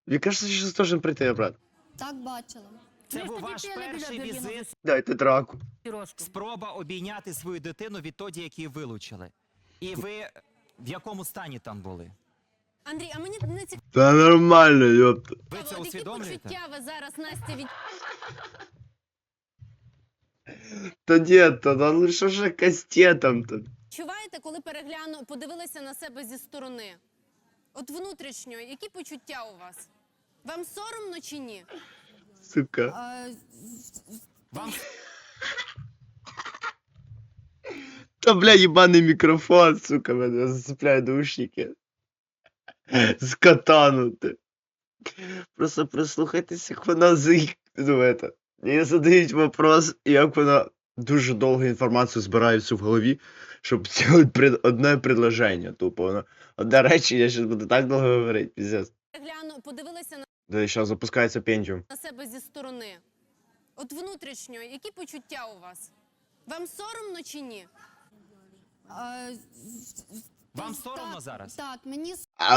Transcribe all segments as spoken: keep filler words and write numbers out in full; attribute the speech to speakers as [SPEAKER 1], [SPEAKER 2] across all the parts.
[SPEAKER 1] Мне кажется, сейчас должен прийти обратно.
[SPEAKER 2] Так, бачила.
[SPEAKER 3] Це
[SPEAKER 4] Ми
[SPEAKER 3] був
[SPEAKER 4] ж
[SPEAKER 3] ваш
[SPEAKER 4] тоді пили біля
[SPEAKER 3] перший
[SPEAKER 4] Берліна
[SPEAKER 3] візит,
[SPEAKER 1] Дайте драку.
[SPEAKER 4] Пірожку.
[SPEAKER 3] спроба обійняти свою дитину відтоді, як її вилучили. І ви в якому стані там були?
[SPEAKER 5] Андрій, а мені не цікаво,
[SPEAKER 1] Да нормально, ёпта.
[SPEAKER 3] Ви це
[SPEAKER 5] які
[SPEAKER 3] усвідомлюєте?
[SPEAKER 5] почуття ви зараз, Настя,
[SPEAKER 1] Да нет, да лучше же кастетом-то.
[SPEAKER 5] відчуваєте, коли перегляну, подивилися на себе зі сторони? От внутрішньо, які почуття у вас? Вам соромно чи ні?
[SPEAKER 1] Сука.
[SPEAKER 2] А,
[SPEAKER 3] Вам
[SPEAKER 1] Да, бля, ебаный микрофон, сука, меня зацепляют наушники. Скотанути. Просто прислухайтесь, як вона заїк... Ну, это... Їй задають вопрос, і як вона дуже довго інформацію збирає всю в голові, щоб зробити пред... одне предложення, тупо. Вона... Одне речі, я зараз буду так довго говорити, пиздец.
[SPEAKER 5] Перегляну, подивилися
[SPEAKER 1] Да, зараз запускається Pentium.
[SPEAKER 5] на себе зі сторони. От внутрішньо, які почуття у вас? Вам соромно чи ні?
[SPEAKER 2] а,
[SPEAKER 3] Вам
[SPEAKER 2] так,
[SPEAKER 3] соромно зараз?
[SPEAKER 2] Так, мені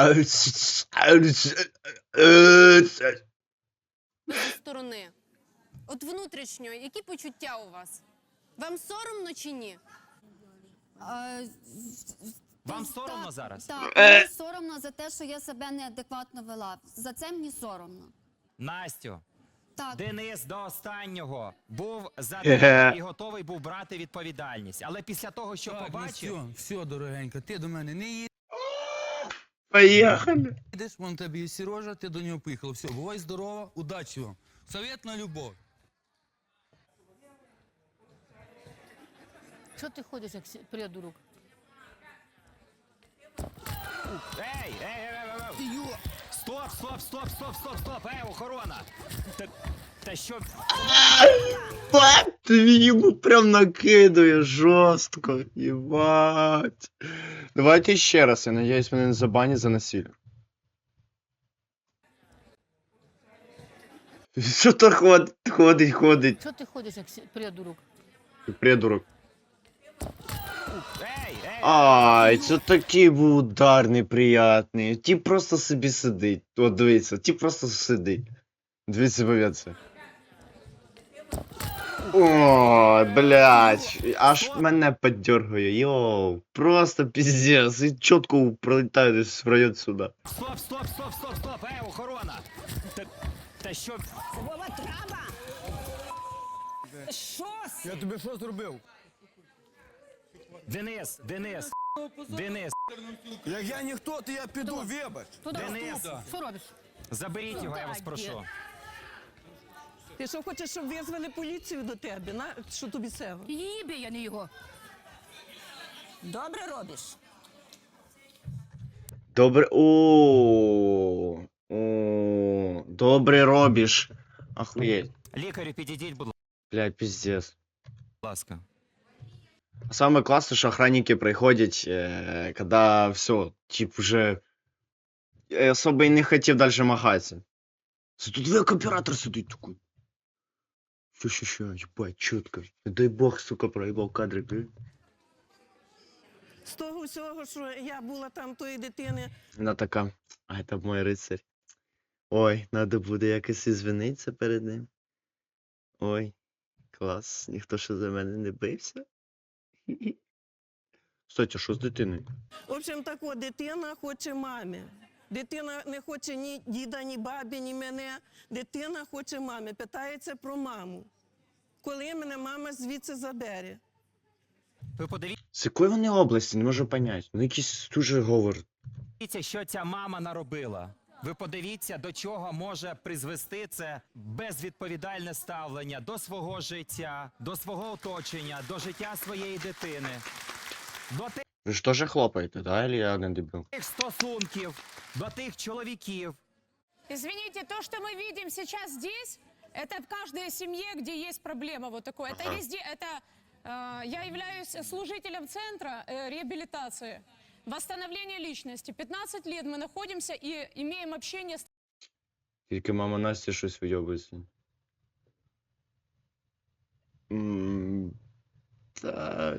[SPEAKER 5] Зі сторони. От внутрішньо, які почуття у вас? Вам соромно чи ні?
[SPEAKER 2] а,
[SPEAKER 3] Вам соромно
[SPEAKER 2] так,
[SPEAKER 3] зараз?
[SPEAKER 2] Так,
[SPEAKER 1] Е.
[SPEAKER 2] мені соромно за те, що я себе неадекватно вела. За це мені соромно.
[SPEAKER 3] Настю,
[SPEAKER 2] Так,
[SPEAKER 3] Денис до останнього був за
[SPEAKER 1] Е-ге.
[SPEAKER 3] тебе і готовий був брати відповідальність. Але після того, що
[SPEAKER 6] Так, ну
[SPEAKER 3] побачив,
[SPEAKER 6] все, все, дорогенька, ти до мене не
[SPEAKER 1] Поїхали.
[SPEAKER 6] їдеш, вон тобі і Сережа, ти до нього поїхав. Все, бувай здорова, удачі вам. Совет на любов.
[SPEAKER 4] Що ти ходиш, як сі- придурок?
[SPEAKER 3] ей, ей, ей, ей, ей, ей. Стоп, стоп, стоп, стоп, стоп, стоп, ей, охорона! Та, та що,
[SPEAKER 1] Ти йому прям накидує жорстко. Єбать. Давайте ще раз, я надіюсь, мене не забанять за насилля. Що то ходить, ходить, ходить,
[SPEAKER 4] Що ти ходиш, як сі- придурок?
[SPEAKER 1] придурок.
[SPEAKER 3] ей, ей,
[SPEAKER 1] Ай, це такий був удар неприятний. Ті просто собі сидить. От дивіться, ті просто сидить. Дивіться, повіться. О, блядь, аж мене поддергує, йоу, просто пиздец, і чітко пролітає десь в район сюди.
[SPEAKER 3] стоп, стоп, стоп, стоп, стоп, ей, охорона! Та, та що,
[SPEAKER 7] Вова, трава! Що?
[SPEAKER 6] Я тобі що зробив?
[SPEAKER 3] Денис, Денис, Денис,
[SPEAKER 6] Як я ніхто, то я піду, вибач.
[SPEAKER 4] Туди,
[SPEAKER 3] Денис.
[SPEAKER 4] туди. Що робиш?
[SPEAKER 3] заберіть його, я вас
[SPEAKER 4] Так,
[SPEAKER 3] прошу.
[SPEAKER 7] Ти що хочеш, щоб визвали поліцію до тебе? На що тобі це?
[SPEAKER 4] Її бій, а не його.
[SPEAKER 7] Добре робиш.
[SPEAKER 1] Добре, о, о, добре робиш. Охуєть.
[SPEAKER 3] Лікарю підійдіть, будь
[SPEAKER 1] Блядь, пиздец.
[SPEAKER 3] ласка.
[SPEAKER 1] Самое классное, что охранники приходят, э, когда все, тип уже э, особо и не хотів дальше махаться. Це тут як оператор сидить такой. Що, що, що, ебать, чітко. Не дай бог, сука, проїбав кадри, блядь.
[SPEAKER 7] З того всього, що я була там тої дитини,
[SPEAKER 1] Вона така, а це мой рицарь. Ой, надо буде якось ізвинитися перед ним. Ой, клас, ніхто ще за мене не бився. Кстати, що з дитиною?
[SPEAKER 7] в общем, так от, дитина хоче мамі. Дитина не хоче ні діда, ні бабі, ні мене. Дитина хоче мамі, питається про маму. Коли мене мама звідси забере?
[SPEAKER 3] Ви подивіться,
[SPEAKER 1] З якої вони області, не можу поняти. Ну якийсь дуже говор.
[SPEAKER 3] що ця мама наробила. Ви подивіться, до чого може призвести це безвідповідальне ставлення до свого життя, до свого оточення, до життя своєї дитини, до
[SPEAKER 1] Ви ж теж хлопаєте, да? Или я не дебіл?
[SPEAKER 3] тих стосунків, до тих чоловіків.
[SPEAKER 8] Извините, то, что мы видим сейчас здесь, это в каждой семье, где есть проблема вот такой. Это
[SPEAKER 1] Ага.
[SPEAKER 8] везде, это э, я являюсь служителем центра э, реабилитации, восстановления личности. пятнадцать лет мы находимся и имеем общение с
[SPEAKER 1] Тільки мама Насті щось вийобується. М, Та...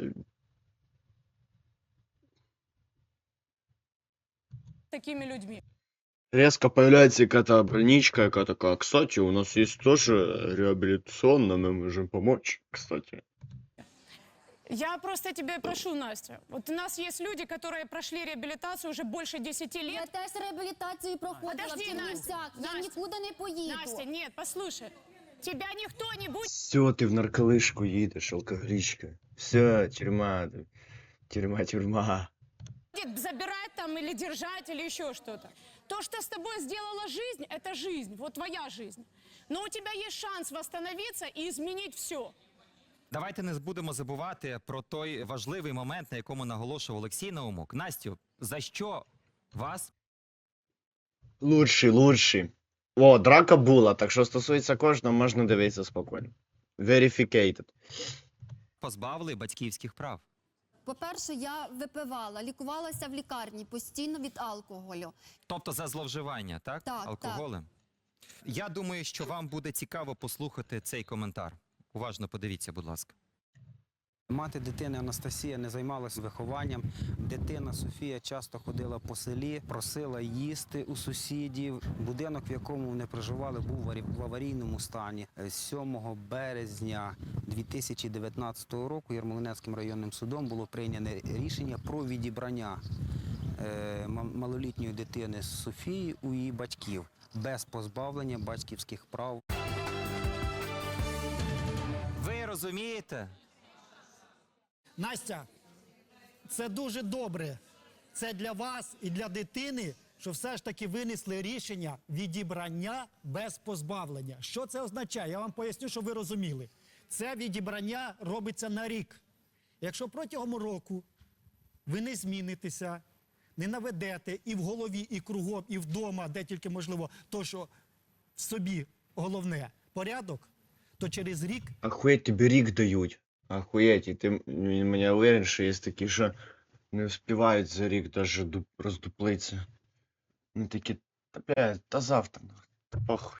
[SPEAKER 8] такими людьми.
[SPEAKER 1] резко появляется какая-то больничка, какая такая, кстати, у нас есть тоже реабилитационно, мы можем помочь, кстати.
[SPEAKER 8] Я просто тебя прошу, Настя. Вот у нас есть люди, которые прошли реабилитацию уже больше десяти
[SPEAKER 2] Я
[SPEAKER 8] лет.
[SPEAKER 2] теж реабілітацію проходила
[SPEAKER 8] Подожди,
[SPEAKER 2] в Чернівцях.
[SPEAKER 8] Настя,
[SPEAKER 2] Я
[SPEAKER 8] Настя.
[SPEAKER 2] нікуди не поїду.
[SPEAKER 8] Настя, нет, послушай. Тебя никто не будет
[SPEAKER 1] Все, ты в нарколыжку едешь, алкоголичка. Все, тюрьма, тюрьма, тюрьма.
[SPEAKER 8] забирать там или держать или еще что-то. То, что с тобой сделала жизнь, это жизнь, вот твоя жизнь. Но у тебя есть шанс восстановиться и изменить все.
[SPEAKER 3] Давайте не будемо забувати про той важливий момент, на якому наголошував Олексій Наумок. Настю, за що вас
[SPEAKER 1] Лучший, лучший. О, драка була, так що стосується кожного, можна дивитися спокійно. Verificated.
[SPEAKER 3] позбавили батьківських прав?
[SPEAKER 2] По-перше, я випивала, лікувалася в лікарні постійно від алкоголю.
[SPEAKER 3] Тобто за зловживання, так?
[SPEAKER 2] Так,
[SPEAKER 3] Алкоголем? Я думаю, що вам буде цікаво послухати цей коментар. Уважно подивіться, будь ласка.
[SPEAKER 9] Мати дитини Анастасія не займалася вихованням. Дитина Софія часто ходила по селі, просила їсти у сусідів. Будинок, в якому вони проживали, був в аварі- в аварійному стані. сьомого березня дві тисячі дев'ятнадцятого року Ярмолинецьким районним судом було прийнято рішення про відібрання е, ма- малолітньої дитини Софії у її батьків без позбавлення батьківських прав.
[SPEAKER 3] Ви розумієте?
[SPEAKER 10] Настя, це дуже добре. Це для вас і для дитини, що все ж таки винесли рішення відібрання без позбавлення. Що це означає? Я вам поясню, щоб ви розуміли. Це відібрання робиться на рік. Якщо протягом року ви не змінитеся, не наведете і в голові, і кругом, і вдома, де тільки можливо, то, що в собі головне порядок, то через рік
[SPEAKER 1] Охуєть, тобі рік дають. Охуєть, і ти м- мене уверен, що є такі, що не встигають за рік даже ду- роздуплитися. Ну такі, та блядь, та завтра, нахуй, та похуй.